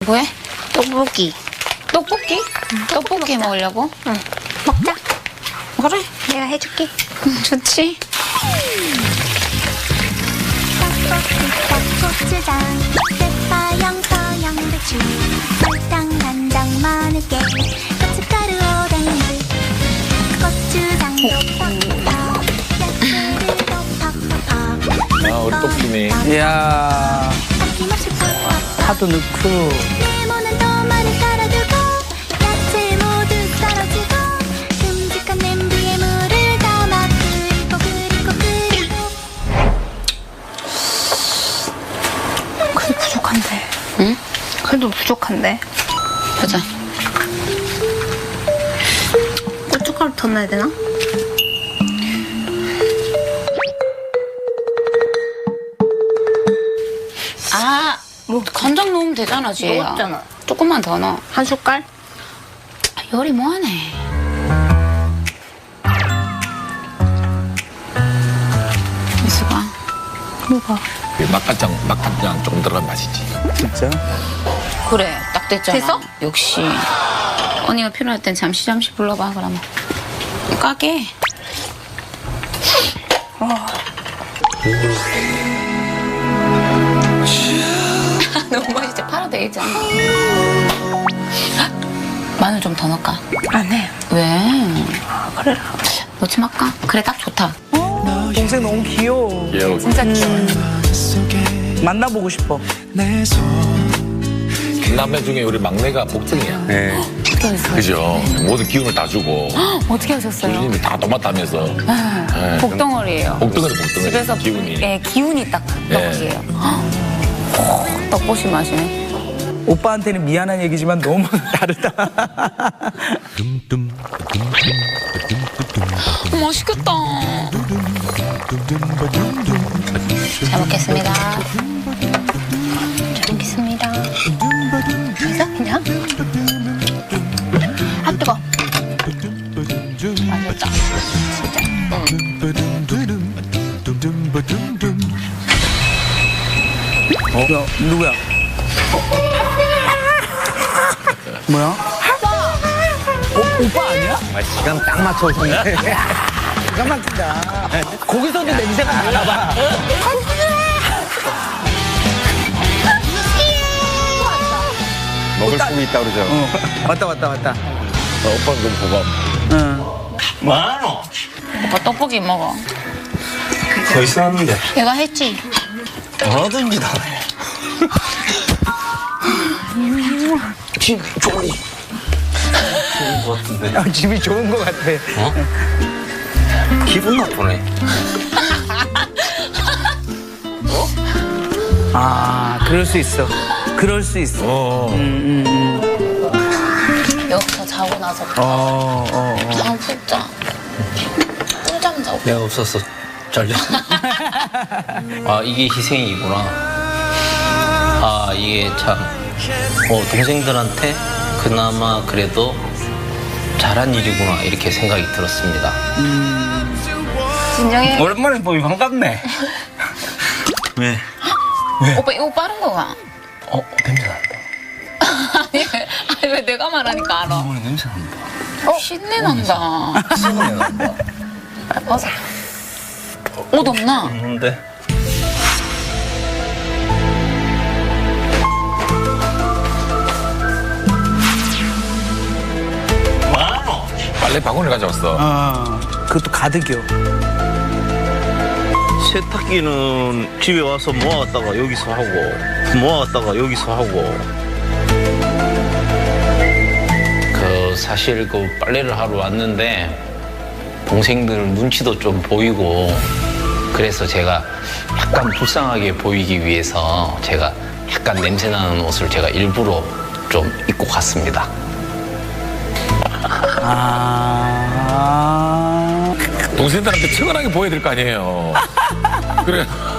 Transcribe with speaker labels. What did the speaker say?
Speaker 1: 뭐해?
Speaker 2: 떡볶이.
Speaker 1: 떡볶이? 떡볶이
Speaker 2: 먹자.
Speaker 1: 먹으려고?
Speaker 2: 응. 먹자.
Speaker 1: 그래.
Speaker 2: 내가 해줄게.
Speaker 1: 좋지.
Speaker 3: 떡볶이 고추장 대파양 서양배추 설탕 간장 마늘깨 고춧가루 오뎅물 고추장도 팍팍 야채들도 팍팍
Speaker 4: 아, 우리 떡볶이네.
Speaker 5: 이야,
Speaker 3: 아낌없이 팍팍
Speaker 5: 파도 넣고.
Speaker 3: 네모난 토마를 깔아두고 야채 모두 썰어주고 큼직한 냄비에 물을 담아 끓이고
Speaker 2: 그래도 부족한데.
Speaker 1: 응?
Speaker 2: 그래도 부족한데.
Speaker 1: 보자.
Speaker 2: 고춧가루 더 넣어야 되나?
Speaker 1: 아, 뭐 간장 넣으면 되잖아, 지혜야.
Speaker 2: 넣었잖아.
Speaker 1: 조금만 더 넣어.
Speaker 2: 한 숟갈?
Speaker 1: 아, 요리 뭐하네. 미수가.
Speaker 2: 뭐가?
Speaker 4: 막간장 조금 들어간 맛이지.
Speaker 5: 진짜?
Speaker 1: 그래, 딱 됐잖아.
Speaker 2: 됐어?
Speaker 1: 역시. 언니가 필요할 땐 잠시 불러봐, 그러면. 까게. 너무 맛있지? 팔아도 되겠지 않아? 마늘 좀 더 넣을까?
Speaker 2: 안 해.
Speaker 1: 왜?
Speaker 2: 아, 그래라.
Speaker 1: 넣지 말까? 그래, 딱 좋다.
Speaker 5: 동생 너무 귀여워.
Speaker 4: 귀여워.
Speaker 1: 진짜 귀여워.
Speaker 5: 만나보고 싶어.
Speaker 4: 남매 중에 우리 막내가 복등이야.
Speaker 5: 네.
Speaker 1: 어떻게 하셨어요?
Speaker 4: 그죠? 모든 기운을 다 주고.
Speaker 1: 어떻게 하셨어요?
Speaker 4: 주인님이 다 도맡다면서. 네.
Speaker 1: 복덩어리예요.
Speaker 4: 복덩어리, 복덩어리.
Speaker 1: 집에서
Speaker 4: 기운이.
Speaker 1: 예, 기운이 딱 떡볶이에요. 떡볶이 맛이네.
Speaker 5: 오빠한테는 미안한 얘기지만 너무 다르다.
Speaker 1: 맛있겠다. 잘 먹겠습니다.
Speaker 2: 잘 먹겠습니다. 그래서 그냥? 아, 뜨거.
Speaker 1: 맛있다.
Speaker 5: 야, 누구야? 뭐야? 오빠 아니야?
Speaker 6: 아, 시간 딱 맞춰 오셨네.
Speaker 5: 기가 막히다. 거기서도 냄새가 나나 봐.
Speaker 6: 먹을 수 있다 그러죠.
Speaker 5: 왔다.
Speaker 4: 오빠는 좀 보감.
Speaker 5: 응.
Speaker 6: 많어.
Speaker 1: 오빠 떡볶이 먹어.
Speaker 6: 더 있었는데.
Speaker 1: 내가 했지.
Speaker 6: 뭐든지 다 해. 집 좋은 것 같은데.
Speaker 5: 아, 집이 좋은 것 같아.
Speaker 6: 기분 나쁘네.
Speaker 5: 아, 그럴 수 있어. 그럴 수 있어.
Speaker 1: 여기서 자고 나서 방 푹자. 꿀잠 자고.
Speaker 6: 내가 없어서 잘렸어. 아, 이게 희생이구나. 아, 이게 참, 동생들한테 그나마 그래도 잘한 일이구나, 이렇게 생각이 들었습니다.
Speaker 1: 진정해.
Speaker 6: 오랜만에 보니 반갑네. 왜?
Speaker 1: 오빠 이거 빠른 거가.
Speaker 6: 냄새 난다.
Speaker 1: 아니 왜 내가 말하니까 알아.
Speaker 6: 오늘 냄새 난다.
Speaker 1: 신내 난다.
Speaker 6: 신내 난다.
Speaker 1: 맞아. 옷 없나?
Speaker 6: 없는데? 많어.
Speaker 4: 빨래 바구니 가져왔어.
Speaker 5: 아, 그것도 가득이요.
Speaker 6: 세탁기는 집에 와서 모아왔다가 여기서 하고 모아왔다가 여기서 하고 사실 빨래를 하러 왔는데 동생들 눈치도 좀 보이고 그래서 제가 약간 불쌍하게 보이기 위해서 제가 약간 냄새나는 옷을 제가 일부러 좀 입고 갔습니다.
Speaker 5: 아.
Speaker 4: 동생들한테 측은하게 보여야 될 거 아니에요. 그래.